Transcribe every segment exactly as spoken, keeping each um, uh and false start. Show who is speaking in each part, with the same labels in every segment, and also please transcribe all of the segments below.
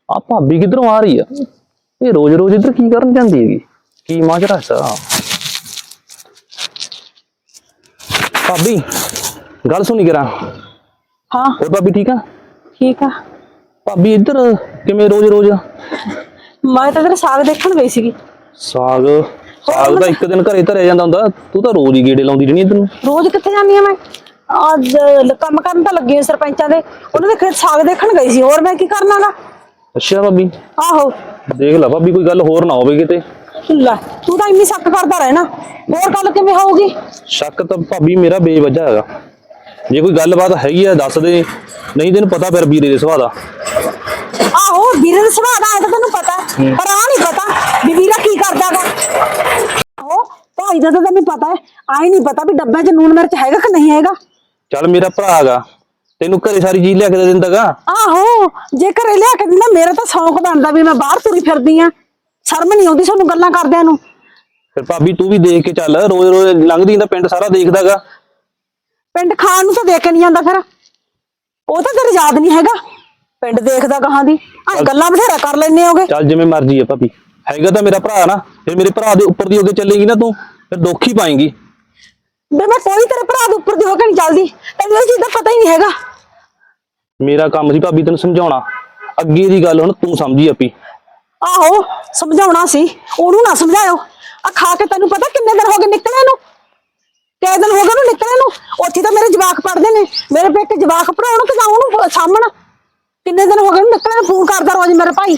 Speaker 1: ਆ भाभी किधरों आ रही है? ये रोज रोज इधर की करन जांदी हैगी? की माजरा सा? भाभी गल सुनी करा।
Speaker 2: हाँ
Speaker 1: और भाभी ठीक है?
Speaker 2: ठीक है।
Speaker 1: भाभी इधर किवें रोज रोज?
Speaker 2: मैं तो तेरा साग देखण गई सी।
Speaker 1: साग साग ਤਾਂ ਇੱਕ ਦਿਨ ਘਰੇ ਧਰਿਆ ਜਾਂਦਾ ਹੁੰਦਾ, ਤੂੰ ਤਾਂ ਰੋਜ਼ ਹੀ ਗੇੜੇ ਲਾਉਂਦੀ ਰਹਿਣੀ ਇਧਰ ਨੂੰ।
Speaker 2: ਰੋਜ਼ ਕਿੱਥੇ ਜਾਂਦੀ ਆ ਮੈਂ? ਅੱਜ ਕੰਮ ਕਰਨ ਤਾਂ ਲੱਗੀ ਸਰਪੰਚਾਂ ਦੇ, ਉਹਨਾਂ ਦੇ ਖੇਤ ਸਾਗ ਦੇਖਣ ਗਈ ਸੀ। ਹੋਰ ਮੈਂ ਕੀ ਕਰਨਾਗਾ?
Speaker 1: ਅੱਛਾ ਭਾਬੀ,
Speaker 2: ਆਹੋ
Speaker 1: ਦੇਖ ਲੈ ਭਾਬੀ ਕੋਈ ਗੱਲ ਹੋਰ ਨਾ ਹੋਵੇ ਕਿਤੇ।
Speaker 2: ਲੈ ਤੂੰ ਤਾਂ ਇੰਨੀ ਸ਼ੱਕ ਕਰਦਾ ਰਹਿਣਾ, ਹੋਰ ਗੱਲ ਕਿਵੇਂ ਹੋਊਗੀ?
Speaker 1: ਸ਼ੱਕ ਤਾਂ ਭਾਬੀ ਮੇਰਾ ਬੇਵਜ੍ਹਾ ਹੈਗਾ। ਜੇ ਕੋਈ ਗੱਲਬਾਤ ਹੈਗੀ ਆ ਦੱਸ ਦੇ, ਨਹੀਂ ਤੈਨੂੰ ਪਤਾ ਫਿਰ ਵੀਰੇ ਦੇ ਸੁਭਾਅ ਦਾ।
Speaker 2: ਆਹੋ ਵੀਰੇ ਦੇ ਸੁਭਾਅ ਦਾ ਤਾਂ ਤੈਨੂੰ ਪਤਾ, ਪਰ ਆ ਨਹੀਂ ਪਤਾ ਵੀ ਵੀਰਾ ਕੀ ਕਰਦਾਗਾ। ਆਹੋ ਭਾਈ ਦਾ ਤਾਂ ਤੈਨੂੰ ਪਤਾ ਹੈ, ਆਈ ਨਹੀਂ ਪਤਾ ਵੀ ਡੱਬੇ 'ਚ ਨੂਨ ਮਿਰਚ ਹੈਗਾ ਕਿ ਨਹੀਂ ਹੈਗਾ।
Speaker 1: ਚੱਲ ਮੇਰਾ ਭਰਾ ਹੈਗਾ, ਤੈਨੂੰ ਘਰੇ ਸਾਰੀ ਚੀਜ਼ ਲਿਆ ਕੇ ਦੇ ਦਿੰਦਾਗਾ।
Speaker 2: ਆਹੋ ਜੇ ਘਰੇ ਲਿਆ ਕੇ ਦਿੰਦਾ, ਮੇਰਾ ਤਾਂ ਸ਼ੌਂਕ ਬਣਦਾ ਵੀ ਮੈਂ ਬਾਹਰ ਤੁਰੀ ਫਿਰਦੀ ਆ। ਸ਼ਰਮ ਨਹੀਂ ਆਉਂਦੀ ਤੁਹਾਨੂੰ ਗੱਲਾਂ ਕਰਦਿਆਂ ਨੂੰ।
Speaker 1: ਫਿਰ ਭਾਬੀ ਤੂੰ ਵੀ ਦੇਖ ਕੇ ਚੱਲ, ਰੋਜ਼ ਰੋਜ਼ ਲੰਘਦੀ ਤਾਂ ਪਿੰਡ ਸਾਰਾ ਦੇਖਦਾਗਾ।
Speaker 2: ਪਿੰਡ ਖਾਣ ਨੂੰ ਤਾਂ ਦੇਖ ਕੇ ਨਹੀਂ ਜਾਂਦਾ, ਫਿਰ ਉਹ ਤਾਂ ਤੇਰੇ ਯਾਦ ਨਹੀਂ ਹੈਗਾ। ਪਿੰਡ ਦੇਖਦਾ ਕਹਾਂ ਦੀ ਆ ਗੱਲਾਂ ਬਥੇਰਾ ਕਰ ਲੈਨੇ ਹੋਗੇ।
Speaker 1: ਚੱਲ ਜਿਵੇਂ ਮਰਜ਼ੀ ਆ ਭਾਬੀ, ਹੈਗਾ ਤਾਂ ਮੇਰਾ ਭਰਾ ਨਾ, ਫਿਰ ਮੇਰੇ ਭਰਾ ਦੇ ਉੱਪਰ ਦੀ ਹੋ ਕੇ ਚੱਲੇਗੀ ਨਾ ਤੂੰ, ਫਿਰ ਦੁੱਖ ਹੀ ਪਾਏਂਗੀ।
Speaker 2: ਬੇ ਮੈਂ ਕੋਈ ਤੇਰੇ ਭਰਾ ਦੇ ਉੱਪਰ ਦੀ ਹੋ ਕੇ ਨਹੀਂ ਚੱਲਦੀ, ਤੈਨੂੰ ਇਹ ਚੀਜ਼ ਦਾ ਪਤਾ ਹੀ ਨਹੀਂ ਹੈਗਾ।
Speaker 1: ਮੇਰਾ ਕੰਮ ਸੀ ਭਾਬੀ ਤੈਨੂੰ ਸਮਝਾਉਣਾ, ਅੱਗੇ ਦੀ ਗੱਲ ਹੁਣ ਤੂੰ ਸਮਝੀ ਆਪੀ।
Speaker 2: ਆਹੋ ਸਮਝਾਉਣਾ ਸੀ, ਉਹਨੂੰ ਨਾ ਸਮਝਾਇਓ। ਆ ਖਾ ਕੇ ਤੈਨੂੰ ਪਤਾ ਕਿੰਨੇ ਦਿਨ ਹੋ ਗਏ ਨਿਕਲੇ ਨੂੰ? ਕਿੰਨੇ ਦਿਨ ਹੋ ਗਏ ਉਹਨੂੰ ਨਿਕਲੇ ਨੂੰ? ਉੱਥੇ ਤਾਂ ਮੇਰੇ ਜਵਾਕ ਪੜਦੇ ਨੇ, ਮੇਰੇ ਪੇਕੇ ਜਵਾਕ ਪੜਾਉਣ ਕਿ ਜਾਂ ਉਹਨੂੰ ਸਾਹਮਣ। ਕਿੰਨੇ ਦਿਨ ਹੋ ਗਏ ਉਹਨੂੰ ਨਿਕਲੇ ਨੂੰ? ਫੋਨ ਕਰਦਾ ਰੋਜ਼ ਮੇਰਾ ਭਾਈ।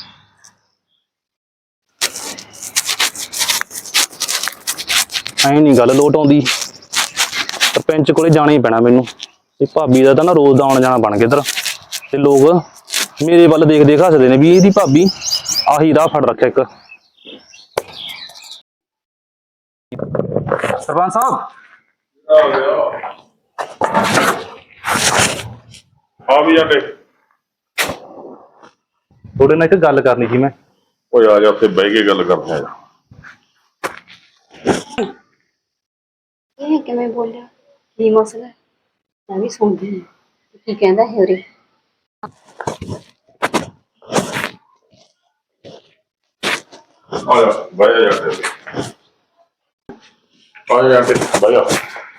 Speaker 1: ਐਂ ਨਹੀਂ ਗੱਲ ਲੋਟ ਆਉਂਦੀ, ਸਰਪੰਚ ਕੋਲੇ ਜਾਣਾ ਹੀ ਪੈਣਾ ਮੈਨੂੰ। ਇਹ ਭਾਬੀ ਦਾ ਤਾਂ ਨਾ ਰੋਜ਼ ਦਾ ਆਉਣ ਜਾਣਾ ਬਣ ਗਿਆ ਇੱਧਰ, ਤੇ ਲੋਕ ਮੇਰੇ ਵੱਲ ਦੇਖ ਦੇਖ ਹੱਸਦੇ ਨੇ ਵੀ ਇਹਦੀ ਭਾਬੀ ਆਹੀ ਰਾਹ ਫੜ ਰੱਖਿਆ ਇੱਕ। ਸਰਪੰਚ ਸਾਹਿਬ
Speaker 3: ਆ ਵੀ ਜਾਂਦੇ।
Speaker 1: ਤੁਹਾਡੇ ਨਾਲ ਇੱਕ ਗੱਲ ਕਰਨੀ ਸੀ ਮੈਂ।
Speaker 3: ਓਏ ਆ ਜਾ, ਉੱਥੇ ਬਹਿ ਕੇ ਗੱਲ ਕਰਦੇ ਆ।
Speaker 4: ਇਹ ਕਿਵੇਂ ਬੋਲਿਆ? ਕੀ ਮਸਲਾ? ਮੈਂ ਵੀ ਸੁਣਦੀ ਹਾਂ ਕੀ ਕਹਿੰਦਾ ਹੈ ਉਰੇ।
Speaker 3: ਆ ਜਾ ਬਹਿ ਜਾ ਜਾਂਦੇ, ਆ ਜਾ ਜਾਂਦੇ ਬਹਿ ਜਾ।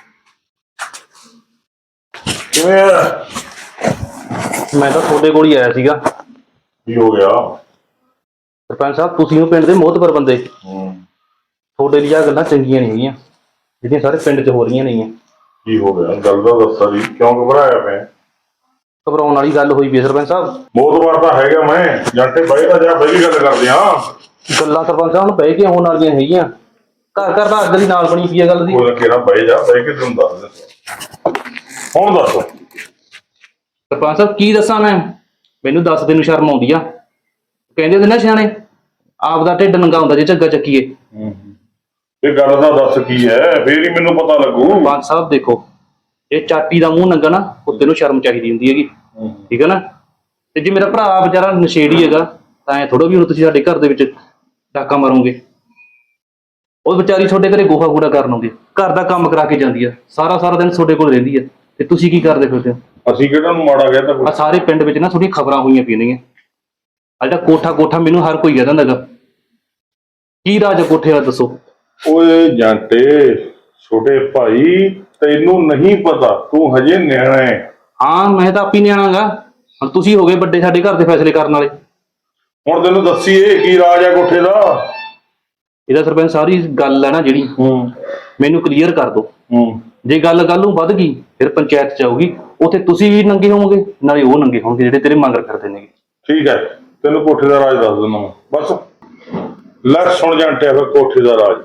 Speaker 3: ਕਿਵੇਂ ਆ?
Speaker 1: ਮੈਂ ਤਾਂ ਤੁਹਾਡੇ ਕੋਲ ਹੀ ਆਇਆ ਸੀਗਾ।
Speaker 3: ਕੀ ਹੋ ਗਿਆ?
Speaker 1: ਸਰਪੰਚ ਸਾਹਿਬ ਤੁਸੀਂ ਉਹ ਪਿੰਡ ਦੇ ਮੋਹਤਬਰ ਬੰਦੇ,
Speaker 3: ਹੂੰ
Speaker 1: ਤੁਹਾਡੇ ਲਈ ਆ ਗੱਲਾਂ ਚੰਗੀਆਂ ਨਹੀਂ ਹੈਗੀਆਂ ਜਿਹੜੀਆਂ ਸਾਰੇ ਪਿੰਡ 'ਚ ਹੋ ਰਹੀਆਂ ਨੇਗੀਆਂ।
Speaker 3: ਕੀ ਹੋ ਗਿਆ? ਗੱਲ ਦਾ ਦੱਸਾ ਜੀ, ਕਿਉਂ ਘਬਰਾਇਆ ਪਿਆ?
Speaker 1: ਘਬਰਾਉਣ ਵਾਲੀ ਗੱਲ ਹੋਈ ਵੀ ਸਰਪੰਚ ਸਾਹਿਬ।
Speaker 3: ਬਹੁਤ ਵਾਰ ਤਾਂ ਹੈਗਾ ਮੈਂ ਜਾਂਟੇ ਬਹਿ ਤਾਂ ਜਾ, ਬਹਿ ਕੇ ਗੱਲ ਕਰਦੇ ਆ।
Speaker 1: ਗੱਲਾਂ ਸਰਪੰਚ ਸਾਹਿਬ ਨੂੰ ਬਹਿ ਕੇ ਹੋਣ ਵਾਲੀਆਂ ਹੈਗੀਆਂ, ਘਰ ਘਰ ਦਾ ਅੱਗ ਦੀ ਨਾਲ ਬਣੀ ਪਈ ਆ ਗੱਲ ਦੀ।
Speaker 3: ਉਹ ਕਿਹੜਾ ਬਹਿ ਜਾ, ਬਹਿ ਕੇ ਤੈਨੂੰ ਦੱਸ ਦੇ। ਹੁਣ ਦੱਸ
Speaker 1: ਸਰਪੰਚ ਸਾਹਿਬ ਕੀ ਦੱਸਾਂ ਮੈਂ, ਮੈਨੂੰ ਦੱਸਦੇ ਨੂੰ ਸ਼ਰਮ ਆਉਂਦੀ ਆ। ਕਹਿੰਦੇ ਹੁੰਦੇ ਨਾ ਸਿਆਣੇ, ਆਪ ਦਾ ਢਿੱਡ ਨੰਗਾ ਹੁੰਦਾ ਜੇ ਝੱਗਾ ਚੱਕੀਏ।
Speaker 3: ਇਹ ਗੱਲ ਦਾ ਦੱਸ ਕੀ ਹੈ, ਫੇਰ ਹੀ ਮੈਨੂੰ ਪਤਾ ਲੱਗੂ।
Speaker 1: ਸਰਪੰਚ ਸਾਹਿਬ ਦੇਖੋ, ਇਹ ਚਾਟੀ ਦਾ ਮੂੰਹ ਨੰਗਾ ਨਾ, ਕੁੱਤੇ ਨੂੰ ਸ਼ਰਮ ਚਾਹੀਦੀ ਹੁੰਦੀ ਹੈਗੀ, ਠੀਕ ਹੈ ਨਾ। ਤੇ ਜੇ ਮੇਰਾ ਭਰਾ ਵਿਚਾਰਾ ਨਸ਼ੇੜੀ ਹੈਗਾ ਤਾਂ ਐ ਥੋੜਾ ਵੀ ਹੁਣ ਤੁਸੀਂ ਸਾਡੇ ਘਰ ਦੇ ਵਿੱਚ ਡਾਕਾ ਮਾਰੋਗੇ। ਉਹ ਵਿਚਾਰੀ ਤੁਹਾਡੇ ਘਰੇ ਗੋਹਾ ਕੂੜਾ ਕਰਨ ਆਉਂਦੀ, ਘਰ ਦਾ ਕੰਮ ਕਰਾ ਕੇ ਜਾਂਦੀ ਆ, ਸਾਰਾ ਸਾਰਾ ਦਿਨ ਤੁਹਾਡੇ ਕੋਲ ਰਹਿੰਦੀ ਆ, ਤੇ ਤੁਸੀਂ ਕੀ ਕਰਦੇ ਫਿਰਦੇ ਹੋ?
Speaker 3: ਅਸੀਂ ਕਿਹੜਾ ਨੂੰ ਮਾੜਾ ਗਿਆ ਤਾਂ
Speaker 1: ਆ ਸਾਰੇ ਪਿੰਡ ਵਿੱਚ ਨਾ ਥੋੜੀਆਂ ਖਬਰਾਂ ਹੋਈਆਂ ਪਈਆਂ ਨੇ। ਆ ਜਿਹੜਾ ਕੋਠਾ ਕੋਠਾ ਮੈਨੂੰ ਹਰ ਕੋਈ ਕਹਿੰਦਾ ਹੈਗਾ, ਕੀ ਰਾਜ ਕੋਠੇ ਦਾ ਦੱਸੋ?
Speaker 3: ਓਏ ਜਾਂਟੇ ਛੋਟੇ ਭਾਈ, ਤੈਨੂੰ ਨਹੀਂ ਪਤਾ, ਤੂੰ ਹਜੇ ਨਿਆਣਾ ਹੈ।
Speaker 1: ਹਾਂ ਮੈਂ ਤਾਂ ਆਪੀ ਨਿਆਣਾ ਗਾ, ਹੁਣ ਤੁਸੀਂ ਹੋ ਗਏ ਵੱਡੇ ਸਾਡੇ ਘਰ ਦੇ ਫੈਸਲੇ ਕਰਨ ਵਾਲੇ।
Speaker 3: ਹੁਣ ਤੈਨੂੰ ਦੱਸੀਏ ਕੀ ਰਾਜ ਹੈ ਕੋਠੇ ਦਾ?
Speaker 1: ਇਹਦਾ ਸਰਪੰਚ ਸਾਰੀ ਗੱਲ ਹੈ ਨਾ ਜਿਹੜੀ,
Speaker 3: ਹੂੰ
Speaker 1: ਮੈਨੂੰ ਕਲੀਅਰ ਕਰ ਦਿਓ।
Speaker 3: ਹੂੰ
Speaker 1: ਜੇ ਗੱਲ ਕੱਲ ਨੂੰ ਵੱਧ ਗਈ ਫਿਰ ਪੰਚਾਇਤ ਚ ਆਊਗੀ, ਉੱਥੇ ਤੁਸੀਂ ਵੀ ਨੰਗੇ ਹੋਵੋਗੇ ਨਾਲੇ ਉਹ ਨੰਗੇ ਹੋਣਗੇ ਜਿਹੜੇ ਤੇਰੇ ਮੰਗਰ ਕਰਦੇ ਨੇਗੇ।
Speaker 3: ਠੀਕ ਹੈ, ਤੈਨੂੰ ਕੋਠੇ ਦਾ ਰਾਜ ਦੱਸ ਦਿੰਦਾ ਮੈਂ, ਬਸ ਲੈ ਸੁਣ ਜਾਂਟਿਆ ਫਿਰ ਕੋਠੇ ਦਾ ਰਾਜ।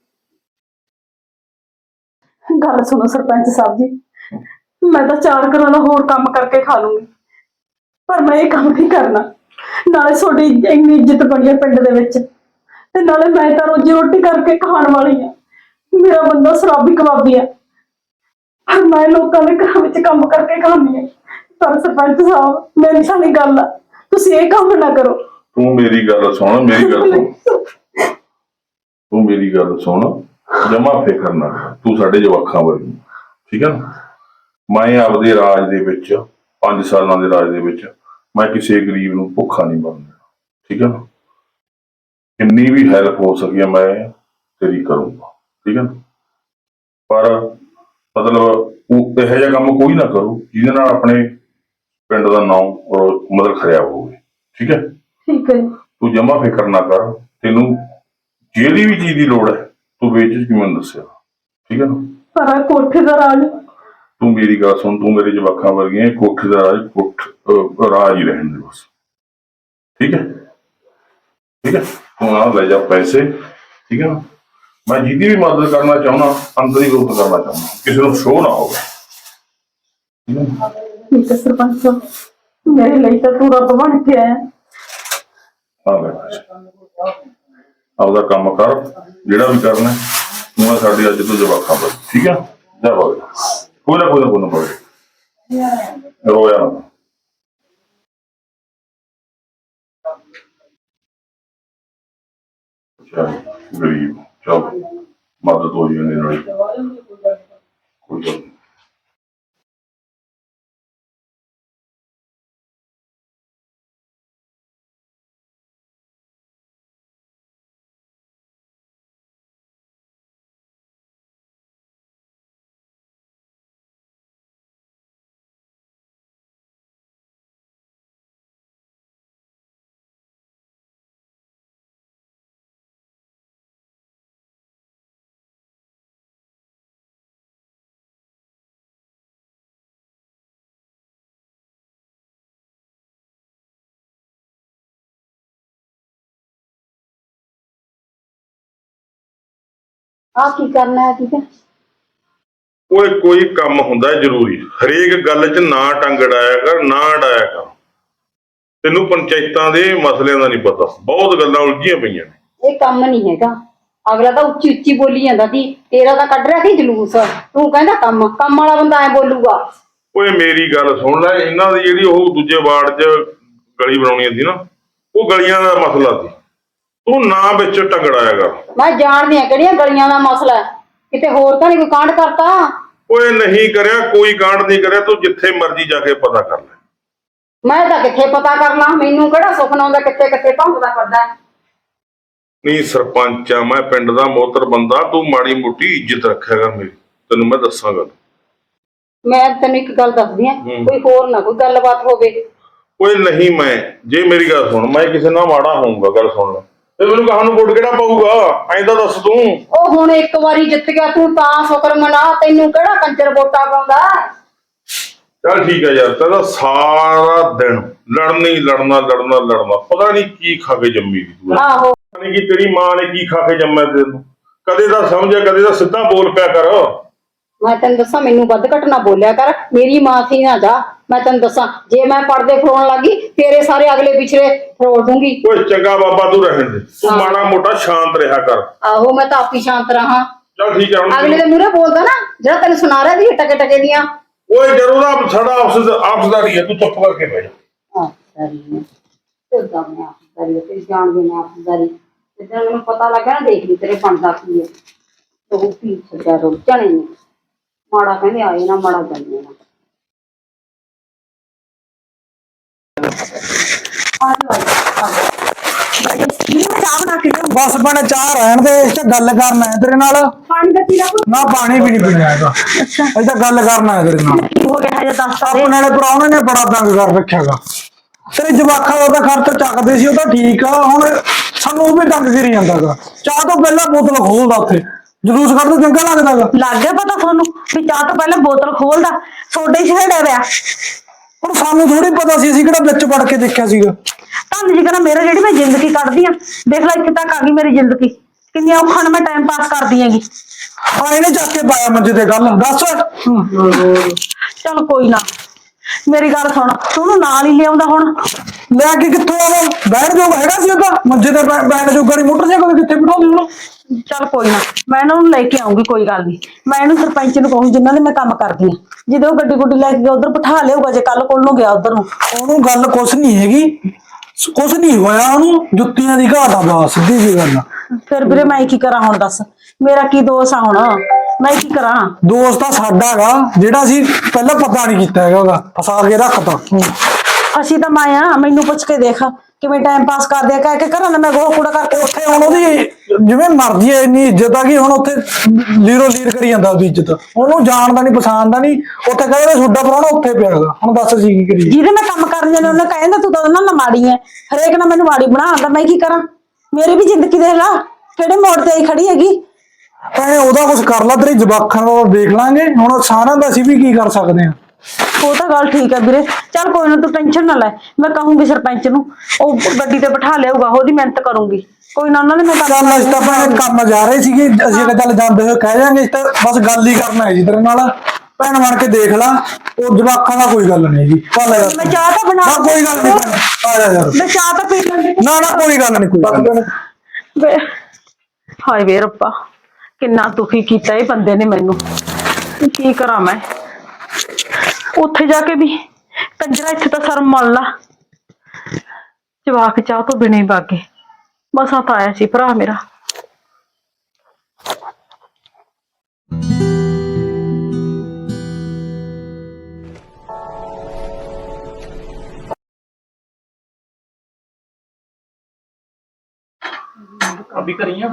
Speaker 2: ਗੱਲ ਸੁਣੋ ਸਰਪੰਚ ਸਾਹਿਬ ਜੀ, ਮੈਂ ਤਾਂ ਚਾਰ ਘਰਾਂ ਦਾ ਹੋਰ ਕੰਮ ਕਰਕੇ ਖਾ ਲੂੰਗੀ, ਪਰ ਮੈਂ ਇਹ ਕੰਮ ਨਹੀਂ ਕਰਨਾ। ਨਾਲੇ ਤੁਹਾਡੀ ਇੰਨੀ ਇੱਜ਼ਤ ਬਣੀ ਹੈ ਪਿੰਡ ਦੇ ਵਿੱਚ, ਤੇ ਨਾਲੇ ਮੈਂ ਤਾਂ ਰੋਜੀ ਰੋਟੀ ਕਰਕੇ ਖਾਣ ਵਾਲੀ ਆ। ਮੇਰਾ ਬੰਦਾ ਸ਼ਰਾਬੀ ਕਬਾਬੀ ਆ, ਮੈਂ ਲੋਕਾਂ ਦੇ ਘਰਾਂ ਵਿੱਚ ਕੰਮ ਕਰਕੇ ਖਾਂਦੀ ਆ। ਪਰ ਸਰਪੰਚ ਸਾਹਿਬ ਮੇਰੀ ਸਾਰੀ ਗੱਲ ਆ, ਤੁਸੀਂ ਇਹ ਕੰਮ ਨਾ ਕਰੋ।
Speaker 3: ਤੂੰ ਮੇਰੀ ਗੱਲ ਸੁਣ, ਮੇਰੀ ਗੱਲ ਸੁਣ, ਤੂੰ ਮੇਰੀ ਗੱਲ ਸੁਣ, ਜਮਾ ਫਿਕਰ ਨਾ ਕਰ, ਤੂੰ ਸਾਡੇ ਜਵਾਕਾਂ ਵਰਗੀ, ਠੀਕ ਹੈ ਨਾ। ਮੈਂ ਆਪਦੇ ਰਾਜ ਦੇ ਵਿੱਚ ਪੰਜ ਸਾਲਾਂ ਦੇ ਰਾਜ ਦੇ ਵਿੱਚ ਮੈਂ ਕਿਸੇ ਗਰੀਬ ਨੂੰ ਭੁੱਖਾ ਨਹੀਂ ਮਰਨ ਦੇਣਾ, ਠੀਕ ਹੈ ਨਾ। ਜਿੰਨੀ ਵੀ ਹੈਲਪ ਹੋ ਸਕੀ ਹੈ ਮੈਂ ਤੇਰੀ ਕਰੂੰਗਾ, ਠੀਕ ਹੈ ਨਾ। ਪਰ ਮਤਲਬ ਉਹ ਇਹੋ ਜਿਹਾ ਕੰਮ ਕੋਈ ਨਾ ਕਰੋ ਜਿਹਦੇ ਨਾਲ ਆਪਣੇ ਪਿੰਡ ਦਾ ਨਾਮ ਔਰ ਮਤਲਬ ਖਰਾਬ ਹੋਵੇ, ਠੀਕ ਹੈ।
Speaker 2: ਠੀਕ ਹੈ।
Speaker 3: ਤੂੰ ਜਮਾ ਫਿਕਰ ਨਾ ਕਰ, ਤੈਨੂੰ ਜਿਹੜੀ ਵੀ ਚੀਜ਼ ਦੀ ਲੋੜ ਹੈ ਤੂੰ ਵੇਚ ਕੇ ਮੈਨੂੰ ਦੱਸਿਆ, ਠੀਕ ਹੈ ਨਾ।
Speaker 2: ਪਰ ਆਹ ਕੋਠੇ ਦਾ ਰਾਜ,
Speaker 3: ਤੂੰ ਮੇਰੀ ਗੱਲ ਸੁਣ, ਤੂੰ ਮੇਰੇ ਜਵਾਕਾਂ ਵਰਗੀਆਂ, ਕੋਠੇ ਦਾ ਰਾਜ ਕੋਠ ਅਹ ਰਾਜ ਹੀ ਰਹਿਣ ਦੇ ਬਸ, ਠੀਕ ਹੈ ਠੀਕ ਹੈ। ਤੂੰ ਆ ਲੈ ਜਾ ਪੈਸੇ, ਠੀਕ ਹੈ ਨਾ। ਮੈਂ ਜਿਹਦੀ ਵੀ ਮਦਦ ਕਰਨਾ ਚਾਹੁੰਦਾ ਅੰਦਰ ਹੀ ਗੁਪਤ ਕਰਨਾ ਚਾਹੁੰਦਾ, ਕਿਸੇ ਨੂੰ ਸ਼ੋਅ ਨਾ ਹੋਵੇ, ਠੀਕ ਹੈ ਨਾ।
Speaker 2: ਠੀਕ ਹੈ ਸਰਪੰਚ ਸਾਹਿਬ, ਮੇਰੇ ਲਈ ਤਾਂ ਤੂੰ ਰੱਬ ਬਣ ਕੇ ਆਇਆ।
Speaker 3: ਆ ਲੈ ਪੈਸੇ, ਆਪਦਾ ਕੰਮ ਕਰ ਜਿਹੜਾ ਵੀ ਕਰਨਾ। ਤੂੰ ਆ ਸਾਡੀ ਅੱਜ ਤੋਂ ਜਵਾਕਾਂ ਬਸ, ਠੀਕ ਹੈ। ਜਾ ਬਾਬੇ, ਕੋਈ ਨਾ ਕੋਈ ਨਾ ਕੋਈ ਨਾ ਬਾਬੇ, ਰੋਇਆ ਨਾ। ਚੱਲ ਗਰੀਬ, ਚੱਲ ਮਦਦ ਹੋ ਜਾਂਦੀ ਨਾਲੇ, ਕੋਈ ਗੱਲ ਨੀ।
Speaker 4: ਆ ਕੀ ਕਰਨਾ ਹੈ ਠੀਕ ਹੈ।
Speaker 3: ਓਏ ਕੋਈ ਕੰਮ ਹੁੰਦਾ ਜ਼ਰੂਰੀ, ਹਰੇਕ ਗੱਲ 'ਚ ਨਾ ਟੰਗ ਅੜਾਇਆ ਕਰ, ਨਾ ਅੜਾਇਆ ਕਰ। ਤੈਨੂੰ ਪੰਚਾਇਤਾਂ ਦੇ ਮਸਲਿਆਂ ਦਾ ਨਹੀਂ ਪਤਾ, ਬਹੁਤ ਗੱਲਾਂ ਉਲਝੀਆਂ ਪਈਆਂ ਨੇ।
Speaker 4: ਇਹ ਕੰਮ ਨਹੀਂ ਹੈਗਾ, ਅਗਲਾ ਤਾਂ ਉੱਚੀ ਉੱਚੀ ਬੋਲੀ ਜਾਂਦਾ ਸੀ, ਤੇਰਾ ਤਾਂ ਕੱਢ ਰਿਹਾ ਸੀ ਜਲੂਸ। ਤੂੰ ਕਹਿੰਦਾ ਕੰਮ ਕੰਮ ਵਾਲਾ ਬੰਦਾ ਐ ਬੋਲੂਗਾ।
Speaker 3: ਓਏ ਮੇਰੀ ਗੱਲ ਸੁਣ ਲੈ, ਇਹਨਾਂ ਦੀ ਜਿਹੜੀ ਉਹ ਦੂਜੇ ਵਾਰਡ 'ਚ ਗਲੀ ਬਣਾਉਣੀ ਸੀ ਨਾ, ਉਹ ਗਲੀਆਂ ਦਾ ਮਸਲਾ ਸੀ। ਤੂੰ ਨਾ ਵਿੱਚ ਟੰਗੜਾਇਆ ਕਰ।
Speaker 4: ਮੈਂ ਜਾਣਦੀ ਆ ਕਿਹੜੀਆਂ ਗਲੀਆਂ ਦਾ ਮਸਲਾ, ਕਿਤੇ ਹੋਰ ਤਾਂ ਨਹੀਂ ਕੋਈ ਕਾਂਡ ਕਰਤਾ।
Speaker 3: ਓਏ ਨਹੀਂ ਕਰਿਆ, ਕੋਈ ਕਾਂਡ ਨਹੀਂ ਕਰਿਆ। ਤੂੰ ਜਿੱਥੇ ਮਰਜ਼ੀ ਜਾ ਕੇ ਪਤਾ ਕਰ ਲੈ।
Speaker 4: ਮੈਂ ਤਾਂ ਕਿੱਥੇ ਪਤਾ ਕਰ ਲਾਂ, ਮੈਨੂੰ ਕਿਹੜਾ ਸੁਪਨਾ ਆਉਂਦਾ ਕਿੱਥੇ ਕਿੱਥੇ ਭੌਂਕਦਾ ਫਿਰਦਾ।
Speaker 3: ਨਹੀਂ ਸਰਪੰਚ ਆ ਮੈਂ, ਪਿੰਡ ਦਾ ਮੋਹਤਰ ਬੰਦਾ, ਤੂੰ ਮਾੜੀ ਮੋਟੀ ਇੱਜ਼ਤ ਰੱਖਿਆ ਕਰ ਮੇਰੀ, ਤੈਨੂੰ ਮੈਂ ਦੱਸਾਂਗਾ।
Speaker 4: ਮੈਂ ਤੈਨੂੰ ਇੱਕ ਗੱਲ ਦੱਸਦੀ ਆ, ਕੋਈ ਹੋਰ ਨਾ ਕੋਈ ਗੱਲਬਾਤ ਹੋਵੇ।
Speaker 3: ਓਏ ਨਹੀਂ, ਮੈਂ ਜੇ ਮੇਰੀ ਗੱਲ ਸੁਣ, ਮੈਂ ਕਿਸੇ ਨਾਲ ਮਾੜਾ ਹੋਊਗਾ, ਗੱਲ ਸੁਣ ਲੈ, ਤੇ ਮੈਨੂੰ ਕਹਾਂ ਨੂੰ ਵੋਟ ਕਿਹੜਾ ਪਾਊਗਾ ਐਂ ਤਾਂ ਦੱਸ ਤੂੰ।
Speaker 4: ਉਹ ਹੁਣ ਇੱਕ ਵਾਰੀ ਜਿੱਤ ਗਿਆ ਤੂੰ ਤਾਂ ਸ਼ੁਕਰ ਮਨਾ, ਤੈਨੂੰ ਕਿਹੜਾ ਕੰਜਰ ਵੋਟਾਂ ਪਾਉਂਦਾ।
Speaker 3: ਚੱਲ ਠੀਕ ਹੈ ਯਾਰ, ਤੇਰਾ ਸਾਰਾ ਦਿਨ ਲੜਨਾ ਹੀ ਲੜਨਾ ਲੜਨਾ ਲੜਨਾ, ਪਤਾ ਨਹੀਂ ਕੀ ਖਾ ਕੇ ਜੰਮੀ ਦੀ ਤੂੰ।
Speaker 4: ਆਹੋ
Speaker 3: ਪਤਾ ਨਹੀਂ ਕਿ ਤੇਰੀ ਮਾਂ ਨੇ ਕੀ ਖਾ ਕੇ ਜੰਮਿਆ ਤੈਨੂੰ, ਕਦੇ ਤਾਂ ਸਮਝਿਆ, ਕਦੇ ਤਾਂ ਸਿੱਧਾ ਬੋਲ ਪਿਆ ਕਰ।
Speaker 4: ਮੈਂ ਤੈਨੂੰ ਦੱਸਾਂ, ਮੈਨੂੰ ਵੱਧ ਘੱਟ ਨਾ ਬੋਲਿਆ ਕਰ, ਮੇਰੀ ਮਾਂ ਸੀ ਨਾ ਜਾ। ਮੈਂ ਤੈਨੂੰ ਦੱਸਾਂ, ਜੇ ਮੈਂ ਪਰਦੇ ਫਰੋਣ ਲੱਗੀ ਤੇਰੇ ਸਾਰੇ ਅਗਲੇ ਪਿਛਲੇ ਫਰੋੜ ਦੂੰਗੀ।
Speaker 3: ਓਏ ਚੰਗਾ ਬਾਬਾ, ਤੂੰ ਰਹਿਣ ਦੇ, ਤੂੰ ਮਾੜਾ ਮੋਟਾ ਸ਼ਾਂਤ ਰਿਹਾ ਕਰ।
Speaker 4: ਆਹੋ ਮੈਂ ਤਾਂ ਆਪੀ ਸ਼ਾਂਤ ਰਹਾ।
Speaker 3: ਚੱਲ ਠੀਕ ਹੈ ਹੁਣ।
Speaker 4: ਅਗਲੇ ਦੇ ਮੂਹਰੇ ਬੋਲਦਾ ਨਾ ਜਿਹੜਾ ਤੈਨੂੰ ਸੁਣਾ ਰਿਹਾ ਸੀ ਟਕੇ ਟਕੇ ਦੀਆਂ।
Speaker 3: ਓਏ ਜਦੋਂ ਦਾ ਸਾਡਾ ਆਪਸ ਆਪਸਦਾਰੀ ਹੈ, ਤੂੰ ਚੁੱਪ ਕਰਕੇ ਬਹਿ ਜਾ।
Speaker 4: ਆਪਸਦਾਰੀ ਕਿੱਦਾਂ ਮੈਂ ਆਪਸਦਾਰੀ ਤੇ ਜਾਣਦੇ ਨੇ ਆਪਸਦਾਰੀ। ਜਿੱਦਾਂ ਮੈਨੂੰ ਪਤਾ ਲੱਗਾ ਨਾ, ਦੇਖ ਲਈ ਤੇਰੇ ਬਣਦਾ ਕੀ ਹੈ। ਤੂੰ ਪੀ ਛੱਡਿਆ ਰੋ ਜਾਣੇ ਨੇ, ਮਾੜਾ ਕਹਿੰਦੇ ਆਏ ਨਾ ਮਾੜਾ ਜਾਂਦੇ ਨਾ।
Speaker 5: बस बने चाह रहन दे, इस गल करना है तेरे नाल।
Speaker 2: ਪਾਣੀ ਦਾ ਪੀਲਾ
Speaker 5: ना पानी भी नहीं पीना है,
Speaker 2: ਅੱਛਾ
Speaker 5: अस गल करना है तेरे नाल।
Speaker 2: ਕੀ ਹੋ ਗਿਆ ਹੈ ਦੱਸ ਸਾਰੇ।
Speaker 5: अपने वाले प्राहुणे ने बड़ा तंग कर रखा गा। तेरे जवाखा का खर्च चकते सी, तो ठीक आ, हुण सानू भी तंग करी जांदा गा। चाह तो पहला बोतल खोलदा उत्थे जलूस कढदा, चंगा लगदा गा।
Speaker 2: ਲੱਗ ਗਿਆ ਪਤਾ ਤੁਹਾਨੂੰ ਵੀ ਚਾਹ ਤੋਂ ਪਹਿਲਾਂ ਬੋਤਲ ਖੋਲਦਾ, ਸੋਡੇ ਹੀ ਛੇੜਿਆ ਪਿਆ।
Speaker 5: ਹੁਣ ਸਾਨੂੰ ਥੋੜੀ ਪਤਾ ਸੀ, ਅਸੀਂ ਕਿਹੜਾ ਵਿੱਚ ਵੜ ਕੇ ਦੇਖਿਆ ਸੀਗਾ।
Speaker 2: ਤੁਹਾਨੂੰ ਜੀ ਕਹਿੰਦਾ ਮੇਰਾ ਜਿਹੜੀ ਮੈਂ ਜ਼ਿੰਦਗੀ ਕੱਢਦੀ ਆ, ਦੇਖ ਲੈ ਇੱਥੇ ਤੱਕ ਆ ਗਈ ਮੇਰੀ ਜ਼ਿੰਦਗੀ, ਕਿੰਨੀਆਂ ਔਖਾਂ ਨਾਲ ਮੈਂ ਟਾਈਮ ਪਾਸ ਕਰਦੀ ਹੈਗੀ।
Speaker 5: ਹਾਂ ਇਹਨੇ ਚੱਕ ਕੇ ਪਾਇਆ ਮੰਜੇ ਤੇ, ਗੱਲ ਦੱਸ।
Speaker 2: ਚਲ ਕੋਈ ਨਾ, ਮੇਰੀ ਗੱਲ ਸੁਣ, ਤੂੰ ਉਹਨੂੰ ਨਾਲ ਹੀ ਲਿਆਉਂਦਾ ਹੁਣ।
Speaker 5: ਲੈ ਕੇ ਕਿੱਥੋਂ ਆਵਾਂ, ਬੈਠ ਜੋਗਾ ਹੈਗਾ ਸੀ ਉਹਦਾ ਮੰਜੇ ਤੇ, ਬੈਠ ਜੋਗਾ ਨਹੀਂ, ਮੋਟਰਸਾਈਕਲ ਕਿੱਥੇ ਬਿਠਾਉਂਦੀ ਉਹਨੂੰ।
Speaker 2: ਚਲ ਕੋਈ ਨਾ, ਮੈਂ ਇਹਨਾਂ ਨੂੰ ਲੈ ਕੇ ਆਉਂਗੀ, ਕੋਈ ਗੱਲ ਨਹੀਂ। ਮੈਂ ਇਹਨੂੰ ਸਰਪੰਚ ਨੂੰ ਕਹੂੰ ਜਿਨ੍ਹਾਂ ਦੇ ਮੈਂ ਕੰਮ ਕਰਦੀ ਆ, ਜਦੋਂ ਉਹ ਗੱਡੀ ਗੁੱਡੀ ਲੈ ਕੇ ਉਧਰ ਬਿਠਾ ਲਿਆਊਗਾ, ਜੇ ਕੱਲ ਕੋਲ ਨੂੰ ਗਿਆ ਉਧਰ ਨੂੰ।
Speaker 5: ਉਹਨੂੰ ਗੱਲ ਕੁਛ ਨਹੀਂ ਹੈਗੀ, ਕੁਛ ਨਹੀਂ ਹੋਇਆ ਉਹਨੂੰ, ਜੁੱਤੀਆਂ ਦੀ ਘਾਟ ਆ ਬਸ, ਸਿੱਧੀ ਜੀ ਗੱਲ।
Speaker 2: ਫਿਰ ਵੀਰੇ ਮੈਂ ਕੀ ਕਰਾਂ ਹੁਣ, ਦੱਸ ਮੇਰਾ ਕੀ ਦੋਸ਼ ਆ ਹੁਣ, ਮੈਂ ਕੀ ਕਰਾਂ।
Speaker 5: ਦੋਸਤ ਤਾਂ ਸਾਡਾ ਗਾ, ਜਿਹੜਾ ਅਸੀਂ ਪਹਿਲਾਂ ਪਤਾ ਨਹੀਂ ਕੀਤਾ ਹੈਗਾ ਉਹਦਾ, ਫਸਾ ਕੇ ਰੱਖਤਾ।
Speaker 2: ਅਸੀਂ ਤਾਂ ਮਾਇਆ, ਮੈਨੂੰ ਪੁੱਛ ਕੇ ਦੇਖ ਕਿਵੇਂ ਟਾਈਮ ਪਾਸ ਕਰਦੇ ਆ, ਕਹਿ ਕੇ ਘਰਾਂ ਦਾ ਮੈਂ ਗੋਹਾ ਕੂੜਾ ਕਰਕੇ
Speaker 5: ਉੱਥੇ ਹੁਣ ਉਹਦੀ ਜਿਵੇਂ ਮਰਜ਼ੀ ਹੈ, ਇੰਨੀ ਇੱਜ਼ਤ ਆ ਕਿ ਹੁਣ ਉੱਥੇ ਲੀਰੋ ਲੀਰ ਕਰੀ ਜਾਂਦਾ ਉਹਦੀ ਇੱਜ਼ਤ, ਉਹਨੂੰ ਜਾਣਦਾ ਨਹੀਂ ਪਛਾਣਦਾ ਨਹੀਂ। ਉੱਥੇ ਕਹਿੰਦੇ ਛੋਡਾ ਪ੍ਰਾਹੁਣਾ ਉੱਥੇ ਪਿਆ ਹੈਗਾ, ਹੁਣ ਦੱਸ ਅਸੀਂ ਕੀ ਕਰੀਏ।
Speaker 2: ਜਿਹਦੇ ਮੈਂ ਕੰਮ ਕਰਨ ਜਾਣਾ ਉਹਨੇ ਕਹਿੰਦਾ ਤੂੰ ਤਾਂ ਉਹਨਾਂ ਨਾਲ ਮਾੜੀ ਐ, ਹਰੇਕ ਨਾਲ ਮੈਨੂੰ ਮਾੜੀ ਬਣਾ ਆਂਦਾ, ਮੈਂ ਕੀ ਕਰਾਂ? ਮੇਰੀ ਵੀ ਜ਼ਿੰਦਗੀ ਦੇਖ ਲਾ ਕਿਹੜੇ ਮੋੜ ਤੇ ਆਈ ਖੜੀ ਹੈਗੀ।
Speaker 5: ਭਾਵੇਂ ਉਹਦਾ ਕੁਝ ਕਰ ਲਾ, ਤੇਰੀ ਜਵਾਕਾਂ ਦਾ ਦੇਖ ਲਾਂਗੇ, ਹੁਣ ਸਾਰਿਆਂ ਦਾ ਅਸੀਂ ਵੀ ਕੀ ਕਰ ਸਕਦੇ ਹਾਂ।
Speaker 2: ਉਹ ਤਾਂ ਗੱਲ ਠੀਕ ਹੈ ਵੀਰੇ, ਚੱਲ ਕੋਈ ਨਾ ਤੂੰ ਟੈਨਸ਼ਨ ਨਾ ਲੈ, ਮੈਂ ਕਹੂੰਗੀ ਸਰਪੰਚ ਨੂੰ, ਉਹ ਗੱਡੀ ਤੇ ਬਿਠਾ ਲਿਆਊਗਾ, ਉਹਦੀ ਮਿਹਨਤ ਕਰੂੰਗੀ। ਕੋਈ ਨਾ ਉਹਨਾਂ ਨੇ ਮੈਂ
Speaker 5: ਚੱਲ ਅਸੀਂ ਤਾਂ ਭੈਣ ਕੰਮ ਜਾ ਰਹੇ ਸੀਗੇ, ਅਸੀਂ ਕਿਹਾ ਚੱਲ ਜਾਂਦੇ ਹੋਏ ਕਹਿ ਜਾਾਂਗੇ, ਅਸੀਂ ਤਾਂ ਬਸ ਗੱਲ ਹੀ ਕਰਨਾ ਹੈ ਜੀ ਤੇਰੇ ਨਾਲ। ਭੈਣ ਬਣ ਕੇ ਦੇਖ ਲਾ, ਉਹ ਜਵਾਕਾਂ ਦਾ ਕੋਈ ਗੱਲ ਨਹੀਂ ਜੀ।
Speaker 2: ਮੈਂ ਚਾਹ ਤਾਂ ਬਣਾ
Speaker 5: ਨਾ ਕੋਈ ਗੱਲ ਨਹੀਂ, ਆ ਜਾ ਯਾਰ,
Speaker 2: ਮੈਂ ਚਾਹ ਤਾਂ ਪੀ ਲੈਂਦੀ।
Speaker 5: ਨਾ ਨਾ ਕੋਈ ਗੱਲ ਨਹੀਂ, ਕੋਈ ਗੱਲ ਨੀ।
Speaker 2: ਵੇ ਹਾਏ ਵੇ ਰੱਬਾ, ਕਿੰਨਾ ਦੁਖੀ ਕੀਤਾ ਇਹ ਬੰਦੇ ਨੇ ਮੈਨੂੰ, ਕੀ ਕਰਾਂ ਮੈਂ? ਉੱਥੇ ਜਾ ਕੇ ਵੀ ਕੰਜਰਾ, ਇੱਥੇ ਤਾਂ ਸ਼ਰਮ ਮੰਨ ਲਾ, ਜਵਾਕ ਚਾਹ ਤੋਂ ਬਿਨਾਂ ਹੀ ਬਾਗੇ, ਮਸਾਂ ਤਾਂ ਆਇਆ ਸੀ ਭਰਾ ਮੇਰਾ।
Speaker 1: ਅਭੀ ਕਰੀਆਂ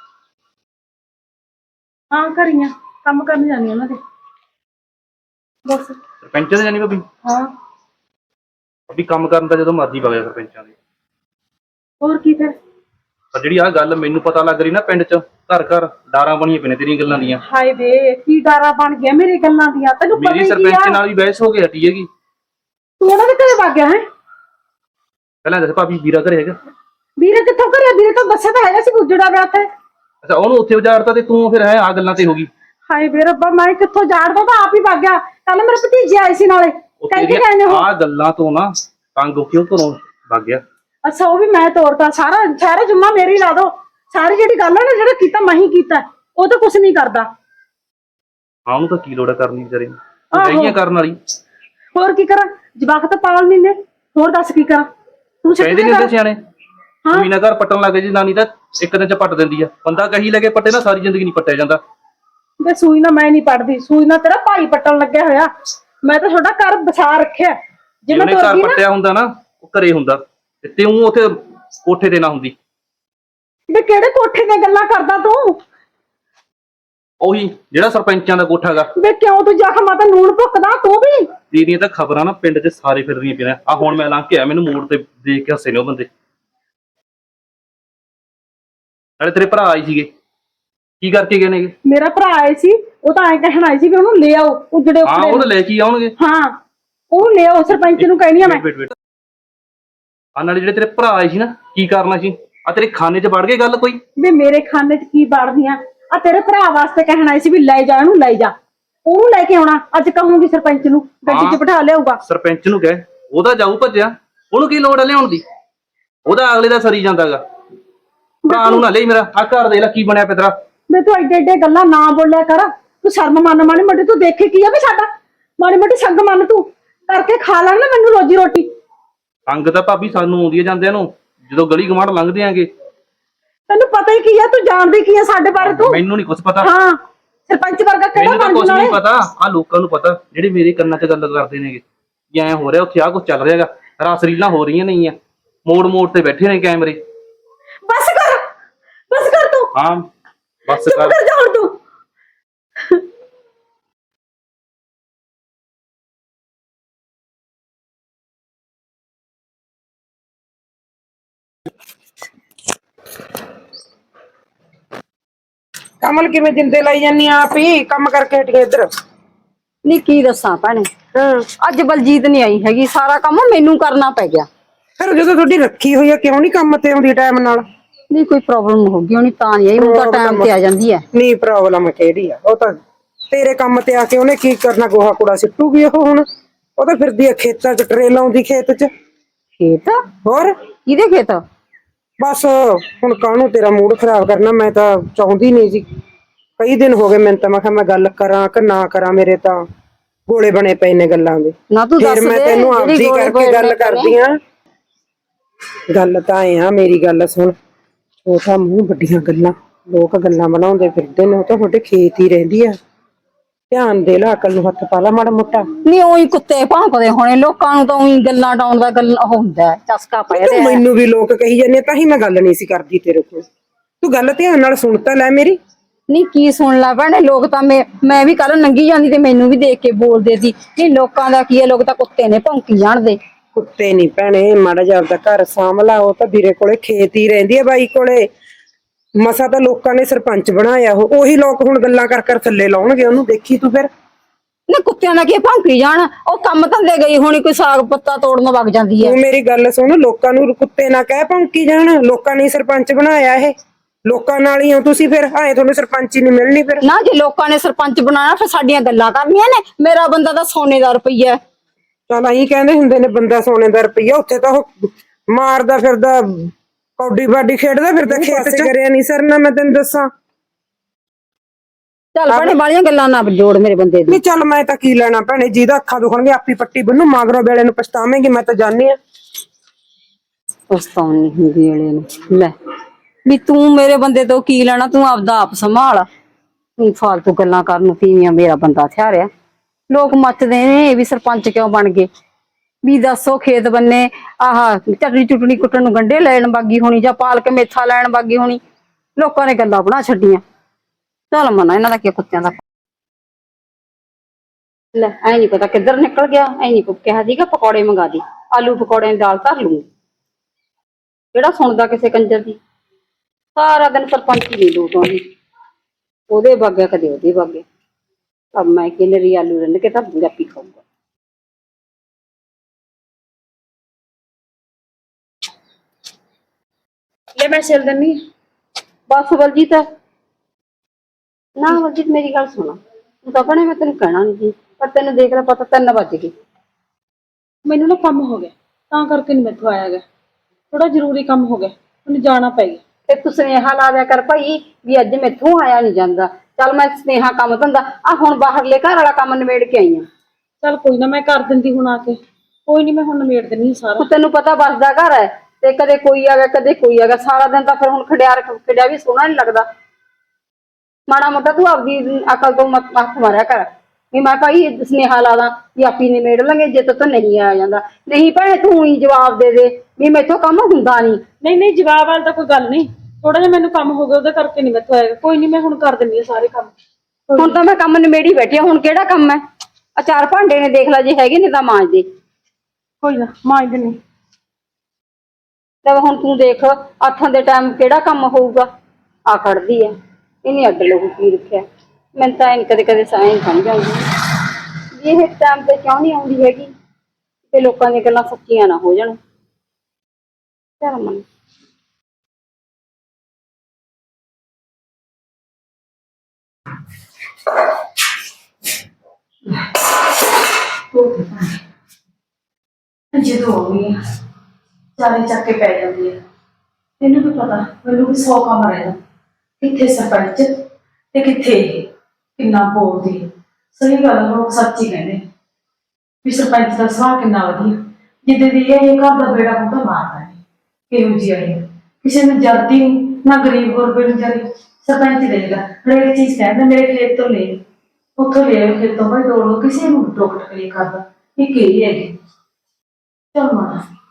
Speaker 2: ਹਾਂ ਕਰੀਆਂ, ਕੰਮ ਕਰਨ ਜਾਣੀ ਉਹਨਾਂ ਦੇ ਬਸ।
Speaker 1: ਸਰਪੰਚ ਦੇ ਜਾਨੀ ਭਾਬੀ?
Speaker 2: ਹਾਂ
Speaker 1: ਅਭੀ ਕੰਮ ਕਰਨ ਦਾ ਜਦੋਂ ਮਰਜ਼ੀ ਵਗ ਜਾ ਸਰਪੰਚਾਂ ਦੇ।
Speaker 2: ਹੋਰ ਕੀ ਫਿਰ?
Speaker 1: ਪਰ ਜਿਹੜੀ ਆਹ ਗੱਲ ਮੈਨੂੰ ਪਤਾ ਲੱਗ ਰਹੀ ਨਾ, ਪਿੰਡ 'ਚ ਘਰ ਘਰ ਡਾਰਾਂ ਬਣੀਆਂ ਪਈਆਂ ਤੇਰੀਆਂ ਗੱਲਾਂ ਦੀਆਂ।
Speaker 2: ਹਾਏ ਵੇ ਕੀ ਡਾਰਾ ਬਣ ਗਿਆ ਮੇਰੀ ਗੱਲਾਂ ਦੀਆਂ, ਤੈਨੂੰ ਪਤਾ
Speaker 1: ਮੇਰੀ
Speaker 2: ਹੀ ਕੀ
Speaker 1: ਸਰਪੰਚ
Speaker 2: ਆ?
Speaker 1: ਨਾਲ ਵੀ ਬਹਿਸ ਹੋ ਕੇ ਹਟੀ ਹੈਗੀ।
Speaker 2: ਤੂੰ ਉਹਨਾਂ ਦੇ ਘਰੇ ਵਗ ਗਿਆ ਹੈ?
Speaker 1: ਪਹਿਲਾਂ ਦੱਸ ਭਾਬੀ, ਵੀਰਾ ਘਰੇ ਹੈਗਾ?
Speaker 2: ਵੀਰੇ ਕਿੱਥੋਂ ਘਰੇ? ਵੀਰੇ ਤਾਂ ਦੱਸਿਆ ਤਾਂ ਹੈਗਾ ਸੀ ਗੁੱਜੜਾ ਗਿਆ ਉੱਥੇ।
Speaker 1: ਅੱਛਾ, ਉਹਨੂੰ ਉੱਥੇ ਉਜਾੜਤਾ ਤੇ ਤੂੰ ਫਿਰ ਹੈ ਆ ਗੱਲਾਂ ਤੇ ਹੋ ਗਈ।
Speaker 2: ਹਾਏ ਵੇ ਰੱਬਾ, ਮੈਂ ਕਿੱਥੋਂ ਜਾਣਦਾ, ਤਾਂ ਆਪ ਹੀ ਵਗ ਗਿਆ। ਕੱਲ ਮੇਰੇ ਭਤੀਜੇ ਆਏ ਸੀ ਨਾਲੇ, ਕਹਿੰਦੇ ਕਹਿੰਦੇ ਉਹ
Speaker 1: ਆਹ ਗੱਲਾਂ ਤੋਂ ਨਾ ਤੰਗ ਹੋ ਕੇ ਉਹ ਘਰੋਂ ਵਗ ਗਿਆ।
Speaker 2: ਅੱਛਾ, ਉਹ ਵੀ ਮੈਂ ਤੋਰਤਾ ਸਾਰਾ, ਸਾਰਾ ਜੁੰਮਾ ਮੇਰੀ ਲਾ ਦੋ। ਸਾਰੀ ਜਿਹੜੀ ਗੱਲ ਹੈ ਨਾ, ਜਿਹੜਾ ਕੀਤਾ ਮੈਂ ਹੀ ਕੀਤਾ, ਉਹ ਤਾਂ ਕੁਛ ਨਹੀਂ ਕਰਦਾ।
Speaker 1: ਹਾਂ, ਉਹਨੂੰ ਤਾਂ ਕੀ ਲੋੜ ਹੈ ਕਰਨੀ ਵਿਚਾਰੇ ਨੂੰ,
Speaker 2: ਆਹੋ।
Speaker 1: ਹੈਗੀਆਂ ਕਰਨ ਵਾਲੀ।
Speaker 2: ਹੋਰ ਕੀ ਕਰਾਂ, ਜਵਾਕ ਤਾਂ ਪਾਲ ਨਹੀਂ ਨੇ, ਹੋਰ ਦੱਸ ਕੀ ਕਰਾਂ? ਤੂੰ ਛੱਡ
Speaker 1: ਕਹਿੰਦੇ
Speaker 2: ਦੇ
Speaker 1: ਨਹੀਂ ਹੁੰਦੇ
Speaker 2: ਘਰ।
Speaker 1: ਸਿਆਣੇ, ਕੋਈ ਨਾ ਘਰ ਪੱਟਣ ਲੱਗ ਜੇ ਨਾਨੀ ਤਾਂ ਇੱਕ ਦਿਨ ਚ ਪੱਟ ਦਿੰਦੀ ਆ। ਬੰਦਾ ਕਹੀ ਲੱਗੇ ਪੱਟੇ ਨਾ, ਸਾਰੀ ਜ਼ਿੰਦਗੀ ਨਹੀਂ ਪੱਟਿਆ ਜਾਂਦਾ।
Speaker 2: ਤੇ ਸੂਈ ਨਾ ਮੈਂ ਨਹੀਂ ਪੜਦੀ, ਸੂਈ ਨਾ ਤੇਰਾ ਭਾਈ ਪੱਟਣ ਲੱਗਿਆ ਹੋਇਆ। ਮੈਂ ਤਾਂ ਤੁਹਾਡਾ ਘਰ ਬਸਾ ਰੱਖਿਆ, ਜੇ ਮੈਂ
Speaker 1: ਉਹਨੇ
Speaker 2: ਤੁਰ
Speaker 1: ਘਰ
Speaker 2: ਗਈ ਨਾ।
Speaker 1: ਪੱਟਿਆ ਹੁੰਦਾ ਨਾ, ਉਹ ਘਰੇ ਹੁੰਦਾ ਤੇ ਤੂੰ ਉੱਥੇ ਕੋਠੇ ਤੇ ਨਾ ਹੁੰਦੀ।
Speaker 2: ਵੀ ਕਿਹੜੇ ਕੋਠੇ ਦੀਆਂ ਗੱਲਾਂ ਕਰਦਾ ਤੂੰ?
Speaker 1: ਉਹੀ ਜਿਹੜਾ ਸਰਪੰਚਾਂ ਦਾ ਕੋਠਾ ਗਾ।
Speaker 2: ਵੇ ਕਿਉਂ ਤੂੰ ਜ਼ਖਮਾਂ ਤੇ ਨੂਣ ਭੁੱਕਦਾ ਤੂੰ ਵੀ?
Speaker 1: ਤੇਰੀਆਂ ਤਾਂ ਖਬਰਾਂ ਨਾ ਪਿੰਡ 'ਚ ਸਾਰੇ ਫਿਰ ਰਹੀਆਂ ਪਈਆਂ। ਆ ਹੁਣ ਮੈਂ ਲੰਘ ਕੇ ਆਇਆ, ਮੈਨੂੰ ਮੋੜ ਤੇ ਦੇਖ ਕੇ ਹੱਸੇ ਨੇ ਉਹ ਬੰਦੇ। ਨਾਲੇ ਤੇਰੇ ਭਰਾ ਆਏ ਸੀਗੇ, ਕੀ ਕਰਕੇ ਗਏ ਨੇਗੇ?
Speaker 2: ਮੇਰਾ ਭਰਾ ਆਏ ਸੀ, ਉਹ ਤਾਂ ਐਂ ਕਹਿਣ ਆਏ ਸੀ ਵੀ ਉਹਨੂੰ ਲੈ ਆਓ ਉਜੜੇ
Speaker 1: ਹਾਂ,
Speaker 2: ਉੱਪਰ।
Speaker 1: ਉਹਨੂੰ ਲੈ ਕੇ ਆਉਣਗੇ।
Speaker 2: ਹਾਂ, ਉਹਨੂੰ ਲੈ ਆਓ, ਸਰਪੰਚ ਨੂੰ ਕਹਿਣੀ ਆ ਮੈਂ।
Speaker 1: ਵੇਟ ਵੇਟ ਆ ਨਾਲੇ ਜਿਹੜੇ ਤੇਰੇ ਭਰਾ ਆਏ ਸੀ ਨਾ, ਕੀ ਕਰਨਾ ਸੀ? ਆ ਤੇਰੇ ਖਾਨੇ 'ਚ ਵੜ ਗਏ ਗੱਲ ਕੋਈ?
Speaker 2: ਵੀ ਮੇਰੇ ਖਾਨੇ 'ਚ ਕੀ ਵੜਦੀਆਂ? ਆ ਤੇਰੇ ਭਰਾ ਵਾਸਤੇ ਕਹਿਣ ਆਏ ਸੀ ਵੀ ਲੈ ਜਾ ਇਹਨੂੰ, ਲੈ ਜਾ ਉਹਨੂੰ, ਲੈ ਕੇ ਆਉਣਾ। ਅੱਜ ਕਹੂੰਗੀ ਸਰਪੰਚ ਨੂੰ, ਗੱਡੀ 'ਚ ਬਿਠਾ ਲਿਆਊਗਾ।
Speaker 1: ਸਰਪੰਚ ਨੂੰ ਕਹਿ, ਉਹਦਾ ਜਾਊ ਭੱਜਿਆ, ਉਹਨੂੰ ਕੀ ਲੋੜ ਹੈ ਲਿਆਉਣ ਦੀ? ਉਹਦਾ ਅਗਲੇ ਦਾ ਸਰੀ ਜਾਂਦਾਗਾ। ਭਰਾ ਨੂੰ ਨਾ ਲਈ ਮੇਰਾ। ਆ ਘਰ ਦੇ ਲੈ ਕੀ ਬਣਿਆ ਪਿਆ ਤੇਰਾ।
Speaker 2: ਵੀ ਤੂੰ ਐਡੇ ਐਡੇ ਗੱਲਾਂ ਨਾ ਬੋਲਿਆ ਕਰ, ਤੂੰ ਸ਼ਰਮ ਮੰਨ ਮਾੜੀ ਮੋਟੀ। ਤੂੰ ਦੇਖੇ ਕੀ ਆ ਵੀ ਸਾਡਾ, ਮਾੜੀ ਮੋਟੀ ਸੰਗ ਮੰਨ, ਤੂੰ ਕਰਕੇ ਖਾ ਲੈਣ ਨਾ ਮੈਨੂੰ ਰੋਜੀ ਰੋਟੀ।
Speaker 1: ਅੰਗ ਤਾਂ ਭਾਬੀ ਸਾਨੂੰ ਆਉਂਦੀ ਆ ਜਾਂਦਿਆਂ ਨੂੰ, ਜਦੋਂ ਗਲੀ ਗਵਾਂਢ ਲੰਘਦੇ ਆਂਗੇ।
Speaker 2: ਤੈਨੂੰ ਪਤਾ ਹੀ ਕੀ ਆ, ਤੂੰ ਜਾਣਦੀ ਕੀ ਆ ਸਾਡੇ ਬਾਰੇ ਤੂੰ?
Speaker 1: ਮੈਨੂੰ ਨਹੀਂ ਕੁਝ ਪਤਾ।
Speaker 2: ਹਾਂ, ਸਰਪੰਚ ਵਰਗਾ ਕਿਹੜਾ
Speaker 1: ਮੈਨੂੰ ਤਾਂ
Speaker 2: ਬਣ
Speaker 1: ਕੁਝ
Speaker 2: ਜੂ
Speaker 1: ਨਹੀਂ
Speaker 2: ਨਾਲੇ।
Speaker 1: ਪਤਾ, ਆ ਲੋਕਾਂ ਨੂੰ ਪਤਾ ਜਿਹੜੇ ਮੇਰੇ ਕੰਨਾਂ 'ਚ ਗੱਲ ਕਰਦੇ ਨੇਗੇ ਕਿ ਐਂ ਹੋ ਰਿਹਾ, ਉੱਥੇ ਆ ਕੁਝ ਚੱਲ ਰਿਹਾਗਾ, ਰਸ ਰੀਲਾਂ ਹੋ ਰਹੀਆਂ ਨਹੀਂ ਆ, ਮੋੜ ਮੋੜ ਤੇ ਬੈਠੇ ਨੇ ਕੈਮਰੇ।
Speaker 2: ਬਸ ਕਰ, ਬਸ ਕਰ ਤੂੰ,
Speaker 1: ਹਾਂ ਬਸ
Speaker 2: ਚੁੱਪ
Speaker 1: ਕਰ।
Speaker 2: ਕਰ ਜਾ ਹੁਣ ਤੂੰ।
Speaker 6: ਕਮਲ ਕਿਵੇਂ ਜਿੰਦੇ ਲਾਈ ਜਾਨੀ ਆ? ਆਪ ਹੀ ਕੰਮ ਕਰਕੇ ਹਟ ਗਏ ਇੱਧਰ।
Speaker 4: ਨਹੀਂ ਕੀ ਦੱਸਾਂ ਭੈਣੇ,
Speaker 6: ਹਾਂ,
Speaker 4: ਅੱਜ ਬਲਜੀਤ ਨਹੀਂ ਆਈ ਹੈਗੀ, ਸਾਰਾ ਕੰਮ ਮੈਨੂੰ ਕਰਨਾ ਪੈ ਗਿਆ।
Speaker 6: ਫਿਰ ਜਦੋਂ ਤੁਹਾਡੀ ਰੱਖੀ ਹੋਈ ਆ ਕਿਉਂ ਨਹੀਂ ਕੰਮ ਤੇ ਆਉਂਦੀ ਟਾਈਮ ਨਾਲ?
Speaker 4: ਨਹੀਂ ਕੋਈ ਪ੍ਰੋਬਲਮ ਹੋ ਗਈ ਹੋਣੀ ਤਾਂ ਨਹੀਂ ਆਈ, ਹੁਣ ਤਾਂ ਟਾਈਮ ਤੇ ਆ ਜਾਂਦੀ ਹੈ।
Speaker 6: ਨਹੀਂ ਪ੍ਰੋਬਲਮ ਕਿਹੜੀ ਆ? ਉਹ ਤਾਂ ਤੇਰੇ ਕੰਮ ਤੇ ਆ ਕੇ ਉਹਨੇ ਕੀ ਕਰਨਾ, ਗੋਹਾ ਕੂੜਾ ਸਿੱਟੂਗੀ ਉਹ। ਹੁਣ ਉਹ ਤਾਂ ਫਿਰਦੀ ਆ ਖੇਤਾਂ 'ਚ, ਟਰੇਲ ਆਉਂਦੀ ਖੇਤ 'ਚ।
Speaker 4: ਖੇਤ?
Speaker 6: ਹੋਰ
Speaker 4: ਕਿਹਦੇ ਖੇਤ?
Speaker 6: ਬਸ ਹੁਣ ਕਾਹਨੂੰ ਤੇਰਾ ਮੂਡ ਖਰਾਬ ਕਰਨਾ, ਮੈਂ ਤਾਂ ਚਾਹੁੰਦੀ ਨਹੀਂ ਸੀ। ਕਈ ਦਿਨ ਹੋ ਗਏ ਮੈਨੂੰ ਤਾਂ, ਮੈਂ ਕਿਹਾ ਮੈਂ ਗੱਲ ਕਰਾਂ ਕਿ ਨਾ ਕਰਾਂ, ਮੇਰੇ ਤਾਂ ਗੋਲੇ ਬਣੇ ਪਏ ਨੇ ਗੱਲਾਂ ਦੇ।
Speaker 4: ਨਾ ਤੂੰ ਦੱਸ
Speaker 6: ਫਿਰ ਮੈਂ
Speaker 4: ਦੇ,
Speaker 6: ਤੈਨੂੰ
Speaker 4: ਜਿਹੜੀ
Speaker 6: ਆਪਦੀ
Speaker 4: ਗੋਲੇ
Speaker 6: ਕਰਕੇ ਗੱਲ
Speaker 4: ਬਣੇ
Speaker 6: ਕਰਦੀ ਆ। ਗੱਲ ਤਾਂ ਐ ਆ, ਮੇਰੀ ਗੱਲ ਸੁਣ। ਉਹ ਤਾਂ ਮੂੰਹ ਵੱਡੀਆਂ ਗੱਲਾਂ, ਲੋਕ ਗੱਲਾਂ ਬਣਾਉਂਦੇ ਫਿਰਦੇ ਨੇ, ਉਹ ਤਾਂ ਤੁਹਾਡੇ ਖੇਤ ਹੀ ਰਹਿੰਦੀ ਆ। ਧਿਆਨ ਦੇ ਲਾ, ਅਕਲ ਨੂੰ ਹੱਥ ਪਾ ਲਾ ਮਾੜਾ ਮੋਟਾ।
Speaker 4: ਨਹੀਂ ਉਹੀ ਕੁੱਤੇ ਭੌਂਕਦੇ ਹੋਣੇ, ਲੋਕਾਂ ਨੂੰ ਤਾਂ ਉਹੀ ਗੱਲਾਂ ਡਾਉਣ ਦਾ ਗੱਲ ਉਹ ਹੁੰਦਾ ਹੈ, ਚਸਕਾ ਪਿਆ
Speaker 6: ਤੇ ਮੈਨੂੰ ਵੀ ਲੋਕ ਕਹੀ ਜਾਂਦੇ ਆ, ਤਾਂ ਹੀ ਮੈਂ ਗੱਲ ਨਹੀਂ ਸੀ ਕਰਦੀ ਤੇਰੇ ਕੋਲ। ਤੂੰ ਗੱਲ ਧਿਆਨ ਨਾਲ ਸੁਣ ਤਾਂ ਲੈ ਮੇਰੀ।
Speaker 4: ਨਹੀਂ ਕੀ ਸੁਣ ਲੈ ਭੈਣੇ, ਲੋਕ ਤਾਂ ਮੈਂ ਮੈਂ ਵੀ ਕੱਲ ਨੰਗੀ ਜਾਂਦੀ ਤੇ ਮੈਨੂੰ ਵੀ ਦੇਖ ਕੇ ਬੋਲਦੇ ਸੀ ਨਹੀਂ ਲੋਕਾਂ ਦਾ ਕੀ ਹੈ, ਲੋਕ ਤਾਂ ਕੁੱਤੇ ਨੇ ਭੌਂਕੀ ਜਾਣਦੇ।
Speaker 6: ਕੁੱਤੇ ਨਹੀਂ ਭੈਣੇ, ਮਾੜਾ ਜਿਹਾ ਆਪਦਾ ਘਰ ਸਾਂਭ ਲਾ। ਉਹ ਤਾਂ ਵੀਰੇ ਕੋਲੇ ਖੇਤ ਹੀ ਰਹਿੰਦੀ ਹੈ, ਬਾਈ ਕੋਲੇ। ਮਸਾ ਤਾਂ ਲੋਕਾਂ ਨੇ ਸਰਪੰਚ ਬਣਾਇਆ, ਉਹ ਉਹੀ ਲੋਕ ਹੁਣ ਗੱਲਾਂ ਕਰ ਕਰ ਥੱਲੇ ਲਾਉਣਗੇ ਉਹਨੂੰ, ਦੇਖੀ ਤੂੰ ਫਿਰ।
Speaker 4: ਨਾ ਕੁੱਤਿਆਂ ਦਾ ਕੀ ਭੌਂਕੀ ਜਾਣ, ਉਹ ਕੰਮ ਧੰਦੇ ਗਈ ਹੋਣੀ, ਕੋਈ ਸਾਗ ਪੱਤਾ ਤੋੜਨ ਵਗ ਜਾਂਦੀ ਹੈ।
Speaker 6: ਤੂੰ ਮੇਰੀ ਗੱਲ ਸੁਣ, ਲੋਕਾਂ ਨੂੰ ਕੁੱਤੇ ਨਾ ਕਹਿ ਭੌਂਕੀ ਜਾਣ, ਲੋਕਾਂ ਨੇ ਸਰਪੰਚ ਬਣਾਇਆ ਇਹ, ਲੋਕਾਂ ਨਾਲ ਹੀ ਹੋ ਤੁਸੀਂ। ਫਿਰ ਆਏ ਤੁਹਾਨੂੰ ਸਰਪੰਚੀ ਨਹੀਂ ਮਿਲਣੀ ਫਿਰ।
Speaker 4: ਨਾ ਜੇ ਲੋਕਾਂ ਨੇ ਸਰਪੰਚ ਬਣਾਇਆ ਫਿਰ ਸਾਡੀਆਂ ਗੱਲਾਂ ਕਰਨੀਆਂ ਨੇ, ਮੇਰਾ ਬੰਦਾ ਤਾਂ ਸੋਨੇ ਦਾ ਰੁਪਈਆ।
Speaker 6: ਚੱਲ ਅਸੀਂ ਕਹਿੰਦੇ ਹੁੰਦੇ ਨੇ ਬੰਦਾ ਸੋਨੇ ਦਾ ਰੁਪਈਆ, ਉੱਥੇ ਤਾਂ ਉਹ ਮਾਰਦਾ ਫਿਰਦਾ, ਕੌਡੀ ਬਾਡੀ ਖੇਡਦਾ ਫਿਰਦਾ ਖੇਤ ਚ। ਕਰਿਆ ਨਹੀਂ ਸਰਨਾ, ਮੈਂ ਤੈਨੂੰ ਦੱਸਾਂ।
Speaker 4: ਚੱਲ ਭੈਣੇ ਵਾਲੀਆਂ ਗੱਲਾਂ ਨਾ ਜੋੜ ਮੇਰੇ ਬੰਦੇ ਦੀ।
Speaker 6: ਨਹੀਂ ਚੱਲ ਮੈਂ ਤਾਂ ਕੀ ਲੈਣਾ ਭੈਣੇ, ਜਿਹਦਾ ਅੱਖਾਂ ਦੁਖਣਗੇ ਆਪੀ ਪੱਟੀ ਬੰਨੂ, ਮਗਰੋਂ ਵੇਲੇ ਨੂੰ ਪਛਤਾਵੇਂਗੀ। ਮੈਂ ਤਾਂ ਜਾਣੀ ਆ
Speaker 4: ਪਛਤਾਉਣ ਨਹੀਂ ਹੁੰਦੀ ਵੇਲੇ ਨੂੰ। ਲੈ ਵੀ ਤੂੰ ਮੇਰੇ ਬੰਦੇ ਤੋਂ ਕੀ ਲੈਣਾ, ਤੂੰ ਆਪਦਾ ਆਪ ਸੰਭਾਲ। ਤੂੰ ਫਾਲਤੂ ਗੱਲਾਂ ਕਰਨ ਨੂੰ ਤੀਵੀਆਂ ਮੇਰਾ ਬੰਦਾ ਹਥਿਆਰਿਆ। ਲੋਕ ਮੱਚਦੇ ਨੇ ਵੀ ਸਰਪੰਚ ਕਿਉਂ ਬਣ ਗਏ, ਵੀ ਦੱਸੋ ਖੇਤ ਬੰਨੇ ਆਹ ਚਟਣੀ ਚੁਟਣੀ ਕੁੱਟਣ ਨੂੰ ਗੰਢੇ ਲੈਣ ਬਾਗੀ ਹੋਣੀ, ਜਾਂ ਪਾਲਕ ਮੇਥਾ ਲੈਣ ਬਾਗੀ ਹੋਣੀ, ਲੋਕਾਂ ਨੇ ਗੱਲਾਂ ਬਣਾ ਛੱਡੀਆਂ। ਚੱਲ ਮਨਾ ਇਹਨਾਂ ਦਾ ਕੀ ਕੁੱਤਿਆਂ ਦਾ। ਲੈ ਐ ਨੀ ਪਤਾ ਕਿੱਧਰ ਨਿਕਲ ਗਿਆ, ਐ ਨੀ ਕਿਹਾ ਸੀਗਾ ਪਕੌੜੇ ਮੰਗਾ ਦੀ, ਆਲੂ ਪਕੌੜਿਆਂ ਦੀ ਦਾਲ ਧਰ ਲੂੰਗੀ। ਕਿਹੜਾ ਸੁਣਦਾ ਕਿਸੇ ਕੰਜਰ ਦੀ, ਸਾਰਾ ਦਿਨ ਸਰਪੰਚੀ ਨਹੀਂ ਲੋਟ ਆਉਂਦੀ, ਉਹਦੇ ਬਾਗਿਆ ਕਦੇ ਉਹਦੇ ਬਾਗਿਆ। ਅਬ ਮੈਂ ਕਿਨੇ ਰੀ ਆਲੂ ਰੰਨ ਕੇ ਤਾਂ ਗੱਪੀ ਖਾਊਂਗਾ।
Speaker 2: ਲੈ ਮੈਂ ਸਿਲ ਦਿੰਨੀ
Speaker 4: ਬਸ ਬਲਜੀਤ, ਨਾ ਬਲਜੀਤ ਮੇਰੀ ਗੱਲ ਸੁਣਾ, ਤੂੰ ਤਾਂ ਭੈਣੇ ਮੈਂ ਤੈਨੂੰ ਕਹਿਣਾ ਨਹੀਂ ਸੀ, ਪਰ ਤੈਨੂੰ ਦੇਖ ਲੈ ਪਤਾ ਤਿੰਨ ਵੱਜ ਗਏ।
Speaker 2: ਮੈਨੂੰ ਨਾ ਕੰਮ ਹੋ ਗਿਆ ਤਾਂ ਕਰਕੇ ਨਹੀਂ ਮੈਥੋਂ ਆਇਆ ਗਿਆ, ਥੋੜਾ ਜ਼ਰੂਰੀ ਕੰਮ ਹੋ ਗਿਆ, ਮੈਨੂੰ ਜਾਣਾ ਪੈ ਗਿਆ।
Speaker 4: ਤੇ ਤੂੰ ਸੁਨੇਹਾ ਲਾ ਦਿਆ ਕਰ ਭਾਈ ਵੀ ਅੱਜ ਮੈਥੋਂ ਆਇਆ ਨਹੀਂ ਜਾਂਦਾ। ਚੱਲ ਮੈਂ ਸੁਨੇਹਾ ਕੰਮ ਧੰਦਾ ਆ ਹੁਣ ਬਾਹਰਲੇ ਘਰ ਵਾਲਾ ਕੰਮ ਨਿਬੇੜ ਕੇ ਆਈ ਆ।
Speaker 2: ਚੱਲ ਕੋਈ ਨਾ, ਮੈਂ ਕਰ ਦਿੰਦੀ ਹੁਣ ਆ ਕੇ, ਕੋਈ ਨਹੀਂ ਮੈਂ ਹੁਣ ਨਿਬੇੜ ਦਿੰਨੀ ਸਾਰਾ।
Speaker 4: ਤੈਨੂੰ ਪਤਾ ਬਸਦਾ ਘਰ ਹੈ ਤੇ ਕਦੇ ਕੋਈ ਆ ਗਿਆ ਕਦੇ ਕੋਈ ਆ ਗਿਆ, ਸਾਰਾ ਦਿਨ ਤਾਂ ਫਿਰ ਹੁਣ ਖੜਿਆ ਖੜਿਆ ਵੀ ਸੋਹਣਾ ਨਹੀਂ ਲੱਗਦਾ। ਮਾੜਾ ਮੋਟਾ ਤੂੰ ਆਪਦੀ ਅਕਲ ਤੋਂ ਹੱਥ ਮਾਰਿਆ ਕਰ ਵੀ ਮੈਂ ਭਾਈ ਸੁਨੇਹਾ ਲਾ ਦਾਂ ਵੀ ਆਪੀ ਨਿਬੇੜ ਲਾਂਗੇ, ਜੇ ਤੂੰ ਨਹੀਂ ਆਇਆ ਜਾਂਦਾ। ਨਹੀਂ ਭੈਣੇ ਤੂੰ ਹੀ ਜਵਾਬ ਦੇ ਦੇ ਵੀ ਮੈਥੋਂ ਕੰਮ ਹੁੰਦਾ ਨਹੀਂ।
Speaker 2: ਨਹੀਂ ਨਹੀਂ ਜਵਾਬ ਵਾਲੀ ਤਾਂ ਕੋਈ ਗੱਲ ਨਹੀਂ, ਥੋੜਾ ਜਿਹਾ ਮੈਨੂੰ ਕੰਮ ਹੋ ਗਿਆ ਉਹਦੇ ਕਰਕੇ ਨਹੀਂ ਮੈਥੋਂ ਆਇਆ। ਕੋਈ ਨਹੀਂ ਮੈਂ ਹੁਣ ਕਰ ਦਿੰਦੀ ਆ ਸਾਰੇ ਕੰਮ।
Speaker 4: ਹੁਣ ਤਾਂ ਮੈਂ ਕੰਮ ਨਿਬੇੜੀ ਬੈਠੀ ਆ, ਹੁਣ ਕਿਹੜਾ ਕੰਮ ਹੈ? ਆ ਚਾਰ ਭਾਂਡੇ ਨੇ ਦੇਖ ਲੈ, ਜੇ ਹੈਗੇ ਨੇ ਤਾਂ ਮਾਂਜ ਦੇ।
Speaker 2: ਕੋਈ ਨਾ ਮਾਂਜ ਦਿੰਨੀ।
Speaker 4: ਤੇ ਹੁਣ ਤੂੰ ਦੇਖ ਅੱਠਾਂ ਦੇ ਟਾਈਮ ਕਿਹੜਾ ਕੰਮ ਹੋਊਗਾ, ਆ ਖੜਦੀ ਹੈ ਇਹਨੇ ਅੱਡ ਲਹੂ ਕੀ ਰੱਖਿਆ। ਮੈਨੂੰ ਤਾਂ ਐਨ ਕਦੇ ਕਦੇ ਸਾਂ ਸਮਝ ਆਉਂਦੀ ਵੀ ਇਹ ਟਾਈਮ ਤੇ ਕਿਉਂ ਨਹੀਂ ਆਉਂਦੀ ਹੈਗੀ, ਤੇ ਲੋਕਾਂ ਦੀਆਂ ਗੱਲਾਂ ਸੱਚੀਆਂ ਨਾ ਹੋ ਜਾਣ। ਚੱਲ ਮਨ
Speaker 2: ਜਦੋਂ ਹੋ ਗਈ ਚਾਰੇ ਚੱਕ ਕੇ ਪੈ ਜਾਂਦੀ ਹੈ। ਤੈਨੂੰ ਵੀ ਪਤਾ ਮੈਨੂੰ ਵੀ ਸੌ ਕੰਮ ਰਹਿੰਦਾ, ਕਿੱਥੇ ਸਰਪੰਚ ਤੇ ਕਿੱਥੇ ਇਹ ਕਿੰਨਾ ਬੋਲਦੀ ਹੈ। ਸਹੀ ਗੱਲ, ਲੋਕ ਸੱਚੀ ਕਹਿੰਦੇ ਵੀ ਸਰਪੰਚ ਦਾ ਸੁਭਾਅ ਕਿੰਨਾ ਵਧੀਆ, ਜਿੱਦੇ ਦੀ ਇਹ ਘਰ ਦਾ ਬੇੜਾ ਪੁੱਤਾ ਮਾਰਦਾ ਹੈ। ਕਿਹੋ ਜਿਹੀ ਆਈ ਕਿਸੇ ਨੂੰ ਜਲਦੀ ਨਾ, ਗਰੀਬ ਗੁਰਬੇ ਨੂੰ ਜਲਦੀ ਸਰਪੰਚ ਦੇਗਾ। ਹਰੇਕ ਚੀਜ਼ ਕਹਿੰਦਾ ਮੇਰੇ ਖੇਤ ਤੋਂ ਲੈ, ਉੱਥੋਂ ਲੈ ਆਓ ਖੇਤੋਂ ਭਾਈ, ਤੋੜ ਲਓ, ਕਿਸੇ ਨੂੰ ਟੋਕ ਟਕਲੀ ਕਰਦਾ। ਇਹ ਕੀ ਹੈਗੀ। ਚੱਲ ਮਾਣਾ